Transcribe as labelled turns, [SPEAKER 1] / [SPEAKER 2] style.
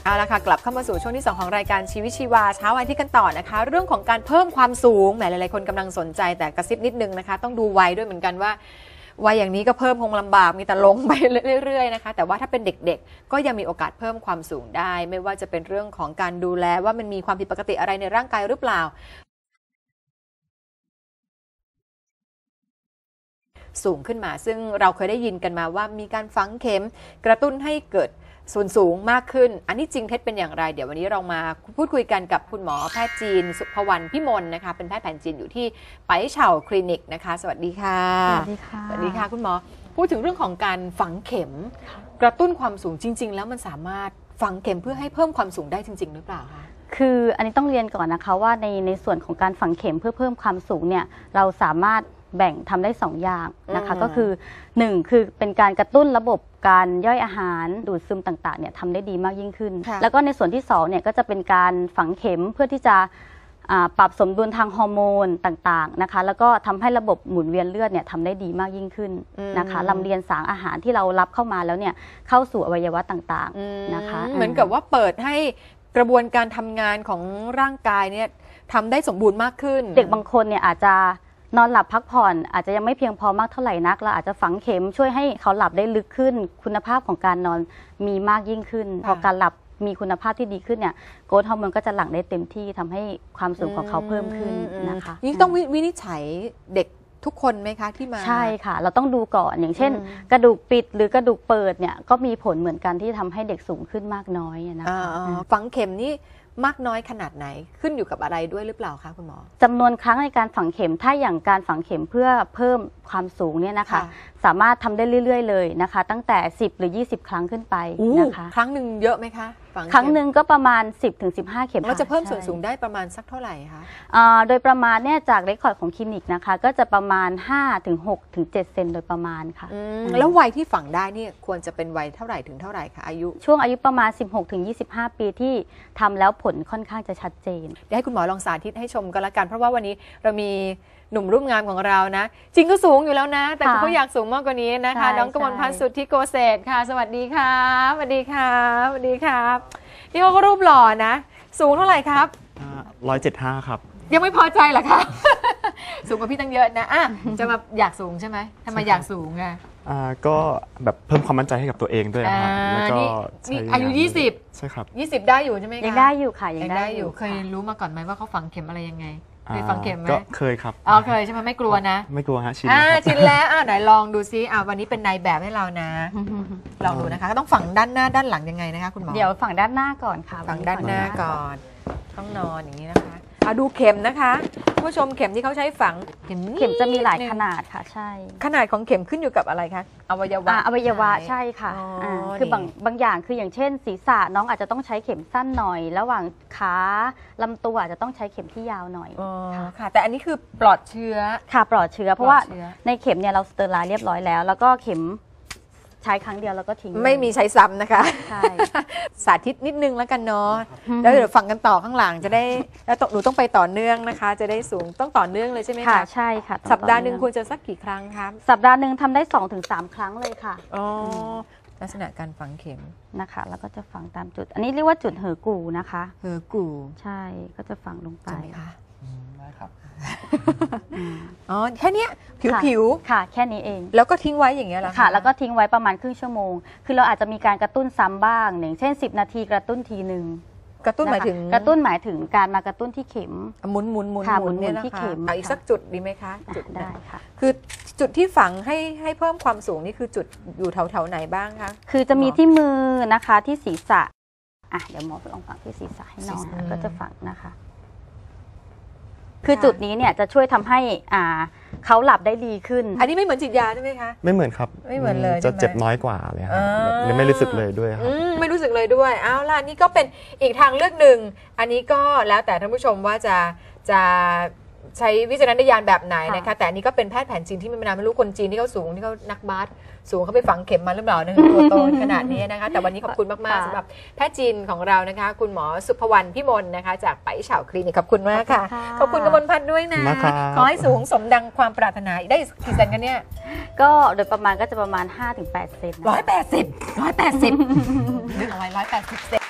[SPEAKER 1] เอาละค่ะกลับเข้ามาสู่ช่วงที่2ของรายการชีวิตชีวาเช้าวันอาทิตย์กันต่อนะคะเรื่องของการเพิ่มความสูงแหมหลายๆคนกำลังสนใจแต่กระซิบนิดนึงนะคะต้องดูวัยด้วยเหมือนกันว่าวัยอย่างนี้ก็เพิ่มคงลำบากมีแต่ลงไปเรื่อยๆนะคะแต่ว่าถ้าเป็นเด็กๆก็ยังมีโอกาสเพิ่มความสูงได้ไม่ว่าจะเป็นเรื่องของการดูแลว่ามันมีความผิดปกติอะไรในร่างกายหรือเปล่าสูงขึ้นมาซึ่งเราเคยได้ยินกันมาว่ามีการฝังเข็มกระตุ้นให้เกิดส่วนสูงมากขึ้นอันนี้จริงเท็จเป็นอย่างไรเดี๋ยววันนี้เรามาพูดคุยกันกับคุณหมอแพทย์จีนสุภวรรณพิมลนะคะเป็นแพทย์แผนจีนอยู่ที่ไปเฉาคลินิกนะคะสวัสดีค่ะ
[SPEAKER 2] สวัสดีค่ะ
[SPEAKER 1] สวัสดีค่ะคุณหมอพูดถึงเรื่องของการฝังเข็มกระตุ้นความสูงจริงๆแล้วมันสามารถฝังเข็มเพื่อให้เพิ่มความสูงได้จริงๆหรือเปล่าคะ
[SPEAKER 2] คืออันนี้ต้องเรียนก่อนนะคะว่าในส่วนของการฝังเข็มเพื่อเพิ่มความสูงเนี่ยเราสามารถแบ่งทำได้2อย่างนะคะก็คือ1คือเป็นการกระตุ้นระบบการย่อยอาหารดูดซึมต่างๆเนี่ยทำได้ดีมากยิ่งขึ้นแล้วก็ในส่วนที่2เนี่ยก็จะเป็นการฝังเข็มเพื่อที่จะปรับสมดุลทางฮอร์โมนต่างๆนะคะแล้วก็ทำให้ระบบหมุนเวียนเลือดเนี่ยทำได้ดีมากยิ่งขึ้นนะคะลำเลียงสารอาหารที่เรารับเข้ามาแล้วเนี่ยเข้าสู่อวัยวะต่างๆนะคะ
[SPEAKER 1] เหมือนกับว่าเปิดให้กระบวนการทำงานของร่างกายเนี่ยทำได้สมบูรณ์มากขึ้น
[SPEAKER 2] เด็กบางคนเนี่ยอาจจะนอนหลับพักผ่อนอาจจะยังไม่เพียงพอมากเท่าไหร่นักเราอาจจะฝังเข็มช่วยให้เขาหลับได้ลึกขึ้นคุณภาพของการนอนมีมากยิ่งขึ้นพอการหลับมีคุณภาพที่ดีขึ้นเนี่ยโกรทฮอร์โมนก็จะหลั่งได้เต็มที่ทำให้ความสูงของเขาเพิ่มขึ้นนะคะ
[SPEAKER 1] นี่ต้องวินิจฉัยเด็กทุกคนไหมคะที่มา
[SPEAKER 2] ใช่ค่ะเราต้องดูก่อนอย่างเช่นกระดูกปิดหรือกระดูกเปิดเนี่ยก็มีผลเหมือนกันที่ทำให้เด็กสูงขึ้นมากน้อยนะคะ
[SPEAKER 1] ฝังเข็มนี่มากน้อยขนาดไหนขึ้นอยู่กับอะไรด้วยหรือเปล่าคะคุณหมอ
[SPEAKER 2] จำนวนครั้งในการฝังเข็มถ้าอย่างการฝังเข็มเพื่อเพิ่มความสูงเนี่ยนะคะสามารถทำได้เรื่อยๆเลยนะคะตั้งแต่10หรือ20ครั้งขึ้นไปนะคะ
[SPEAKER 1] ครั้งหนึ่งเยอะไหมคะ
[SPEAKER 2] ครั้งหนึ่งก็ประมาณ10-15เข็ม
[SPEAKER 1] เราจะเพิ่มส่วนสูงได้ประมาณสักเท่าไหร่คะ
[SPEAKER 2] โดยประมาณเนี่ยจากเรคคอร์ดของคลินิกนะคะก็จะประมาณ5-6-7 เซนโดยประมาณค่ะ
[SPEAKER 1] แล้ววัยที่ฝังได้นี่ควรจะเป็นวัยเท่าไหร่ถึงเท่าไหร่คะอายุ
[SPEAKER 2] ช่วงอายุประมาณ16-25 ปีที่ทำแล้วผลค่อนข้างจะชัดเจน
[SPEAKER 1] เดี๋ยวให้คุณหมอลองสาธิตให้ชมกันละกันเพราะว่าวันนี้เรามีหนุ่มรูปงามของเรานะจริงก็สูงอยู่แล้วนะแต่เขาอยากสูงมากกว่านี้นะคะน้องกมลพัฒน์สุทธิโกเศษค่ะสวัสดีค่ะสวัสดีค่ะสวัสดีครับนี่เขาก็รูปหล่อนะสูงเท่าไหร่ครับ
[SPEAKER 3] 175ครับ
[SPEAKER 1] ยังไม่พอใจเหรอคะสูงกว่าพี่ตั้งเยอะนะจะมาอยากสูงใช่ไหมทำไมอยากสูงไง
[SPEAKER 3] ก็แบบเพิ่มความมั่นใจให้กับตัวเองด้วยครับแล้วก็
[SPEAKER 1] นี่อายุ20
[SPEAKER 3] ใช่ครับ
[SPEAKER 1] 20ได้อยู่ใช่ไหมคะ
[SPEAKER 2] ยังได้อยู่ค่ะยังได้อยู่
[SPEAKER 1] เคยรู้มาก่อนไหมว่าเขาฝังเข็มอะไรยังไงเคยฝังเข็มไหม
[SPEAKER 3] ก็เคยครับ
[SPEAKER 1] เคยใช่ไหมไม่กลัวนะ
[SPEAKER 3] ไม่กลัวฮะ
[SPEAKER 1] ชินแล้วไหนลองดูซิวันนี้เป็นนายแบบให้เรานะลองดูนะคะก็ต้องฝังด้านหน้าด้านหลังยังไงนะคะคุณหมอ
[SPEAKER 2] เดี๋ยวฝังด้านหน้าก่อนค่ะ
[SPEAKER 1] ฝังด้านหน้าก่อนต้องนอนอย่างนี้นะคะดูเข็มนะคะผู้ชมเข็มที่เขาใช้ฝัง
[SPEAKER 2] เข็มจะมีหลายขนาดค่ะใช่
[SPEAKER 1] ขนาดของเข็มขึ้นอยู่กับอะไรคะอวัยวะ
[SPEAKER 2] ใช่ค่ะคือบางอย่างคืออย่างเช่นศีรษะน้องอาจจะต้องใช้เข็มสั้นหน่อยระหว่างขาลำตัวอาจจะต้องใช้เข็มที่ยาวหน่อย
[SPEAKER 1] ค่ะแต่อันนี้คือปลอดเชื้อ
[SPEAKER 2] ค่ะปลอดเชื้อเพราะว่าในเข็มเนี่ยเราสเตอร์ไลน์เรียบร้อยแล้วก็เข็มใช้ครั้งเดียวแล้วก็ทิ้ง
[SPEAKER 1] ไม่มีใช้ซ้ำนะคะใช่สาธิตนิดนึงแล้วกันเนาะแล้วเดี๋ยวฟังกันต่อข้างหลังจะได้แล้วหนูต้องไปต่อเนื่องนะคะจะได้สูงต้องต่อเนื่องเลยใช่ไหมคะ
[SPEAKER 2] ใช่ค่ะ
[SPEAKER 1] สัปดาห์หนึ่งควรจะสักกี่ครั้งครับ
[SPEAKER 2] สัปดาห์หนึ่งทำได้ 2-3 ครั้งเลยค่ะ
[SPEAKER 1] ลักษณะการฝังเข็ม
[SPEAKER 2] นะคะแล้วก็จะฝังตามจุดอันนี้เรียกว่าจุดเหอกูนะคะ
[SPEAKER 1] เหอกู
[SPEAKER 2] ใช่ก็จะฝังลงไป
[SPEAKER 1] ค่ะ
[SPEAKER 3] ได้ครับ
[SPEAKER 1] แค่นี้ผิว
[SPEAKER 2] ค่ะแค่นี้เอง
[SPEAKER 1] แล้วก็ทิ้งไว้อย่างเงี้ยเหรอ
[SPEAKER 2] ค่ะแล้วก็ทิ้งไว้ประมาณครึ่งชั่วโมงคือเราอาจจะมีการกระตุ้นซ้ำบ้างอย่างเช่น10 นาทีกระตุ้นทีนึง
[SPEAKER 1] กระตุ้นหมายถึง
[SPEAKER 2] กระตุ้นหมายถึงการมากระตุ้นที่เข็ม
[SPEAKER 1] หมุนเนี่ย
[SPEAKER 2] ที่
[SPEAKER 1] นะคะ
[SPEAKER 2] เข็ม
[SPEAKER 1] อีกสักจุดดีไหมคะ
[SPEAKER 2] จุดได้ค่ะ
[SPEAKER 1] คือจุดที่ฝังให้เพิ่มความสูงนี่คือจุดอยู่แถวไหนบ้างคะ
[SPEAKER 2] คือจะมีที่มือนะคะที่ศีรษะเดี๋ยวหมอลองฝังที่ศีรษะให้น้องก็จะฝังนะคะคือจุดนี้เนี่ยจะช่วยทำให้เขาหลับได้ดีขึ้น
[SPEAKER 1] อันนี้ไม่เหมือนฉีดยาใช่ไหมคะ
[SPEAKER 3] ไม่เหมือนครับ
[SPEAKER 1] ไม่เหมือนเลย
[SPEAKER 3] จะเจ็บน้อยกว่าเลยครับไม่รู้สึกเลยด้วยครับ
[SPEAKER 1] ไม่รู้สึกเลยด้วยเอาล่ะนี่ก็เป็นอีกทางเลือกหนึ่งอันนี้ก็แล้วแต่ท่านผู้ชมว่าจะใช้วิจารณญาณแบบไหนนะคะแต่อันนี้ก็เป็นแพทย์แผนจีนที่ไม่รู้คนจีนที่เขาสูงที่เขานักบาสสูงเขาไปฝังเข็มมาหรือเปล่านะตัวโตขนาดนี้นะคะแต่วันนี้ขอบคุณมากๆสำหรับแพทย์จีนของเรานะคะคุณหมอสุภวรรณพิมลนะคะจากไปเฉาคลินิกขอบคุณมากค่ะขอบคุณกมลพัฒน์ด้วยนะขอให้สูงสมดังความปรารถนาได้กี่เซนกันเนี่ย
[SPEAKER 2] ก็โดยประมาณก็จะประมาณ5-8 เซน
[SPEAKER 1] 180นึกเอาไว้180 เซน